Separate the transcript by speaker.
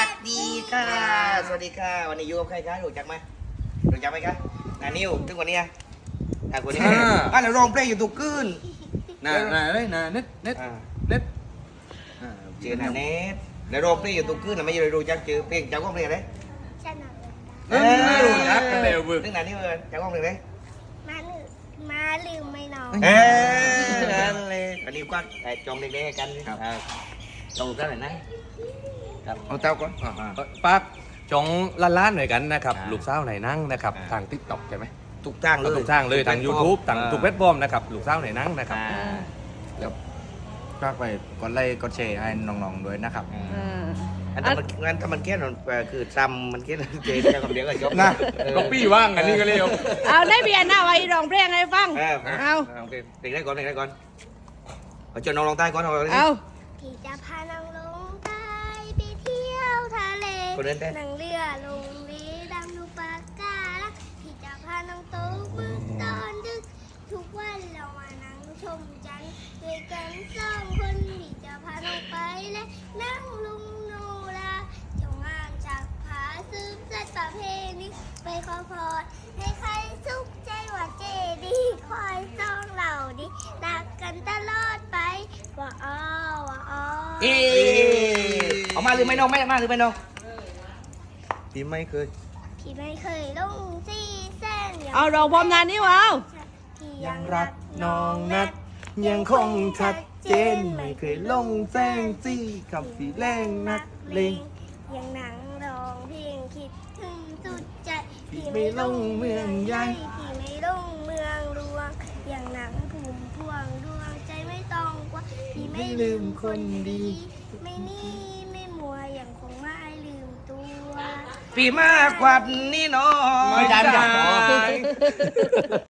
Speaker 1: ดีค่ะสวัสดีค่ะวันนี้อยู่กับใครคะรู้จักไหมคะนานิวถึงวันนี้คนนี้แล้วร้องเพลงอยู่ตุกคืน
Speaker 2: น่าเลยน่าเน็ต
Speaker 1: เจอนาเน็ตแล้วร้องเพลงอยู่ตุกคืนไม่รู้จักเจอเพลงจากว่าเพลงอะไร
Speaker 3: ฉันเอาเงินได้
Speaker 2: รู้จักกันเร็วบึ้ง
Speaker 1: ถึงนานิวจากว่าเพลงอะไร
Speaker 3: มาลืมไม่นอน
Speaker 1: นั่นเลยวันนี้ก็จองเด็กๆกันจองกันหน่อยนะ
Speaker 2: เอาเต้าก่อน
Speaker 4: ปากจองล้านๆหน่อยกันนะครับลูกสาวไหนนั่งนะครับทาง TikTok ใช่ไหม
Speaker 1: ทุกทางเลย
Speaker 4: ทุกทางเลยทาง YouTube ทางทุกแพลตฟอร์มนะครับลูกสาวไหนนั่งนะครับ
Speaker 2: แล้วฝากไปกดไลค์กดแชร์ให้น้องๆด้วยนะครับ
Speaker 1: อันนั้นถ้ามันแค่นั้นคือจำมันแค่เจอแค่คำเดียวก็จบ
Speaker 2: นะ
Speaker 4: ก็ปี้ว่างอันนี้ก็เร็ว
Speaker 5: เอาได้เบียร์หน้าไว้ร้องเพลงให้ฟัง เอา
Speaker 1: เพลงได้ก่อนเอาจนน้องลองใต้ก่อนเอา
Speaker 3: พี่จะพาน้องลงใต้ไปเที่ยวทะเล
Speaker 1: คนเดินเต้น
Speaker 3: นั่งเรือลงเรือดำดูปากกาละพี่จะพาน้องโตมือตอนดึก ทุกวันเรามานั่งชมจันทร์ด้วยกันสองคนพี่จะพาน้องไปและนั่งลุงโนราจงงานจากผาสืบสัตว์ประเพณีไปขอพรให้ใครสุขใจว่าเจดีคอยซ่องเราดิรักกันตลอดไปว่าอ้อว่าอ้อ
Speaker 1: เอามาหรือไม่น้องไม่มาหรือไม่น้องพี่ไม่เคย
Speaker 3: พี่ไม่เคยลงซีแซน
Speaker 5: เอาร้องพร้อมนานนี่วะเอา
Speaker 3: พี่
Speaker 2: ยังรักน้องนัดยังคงชัดเจนไม่เคยลงแซงซี่กับสีแรงนักเลง
Speaker 3: ยังนั่งร้องเพลงคิดถึงสุดใจ
Speaker 2: พี่ไม่ลงเมืองใหญ่
Speaker 3: พี่ไม่ลงเมืองหลวงยังนั่งภูมิพวงดวงใจไม่ต้องกลัว่าพี่ไม่ลืมคนดี ไม่นี่ไม่มัวยังคงไม่ลืมตัว
Speaker 1: พี่มากกว่านี้น้อง
Speaker 2: ไม่ได้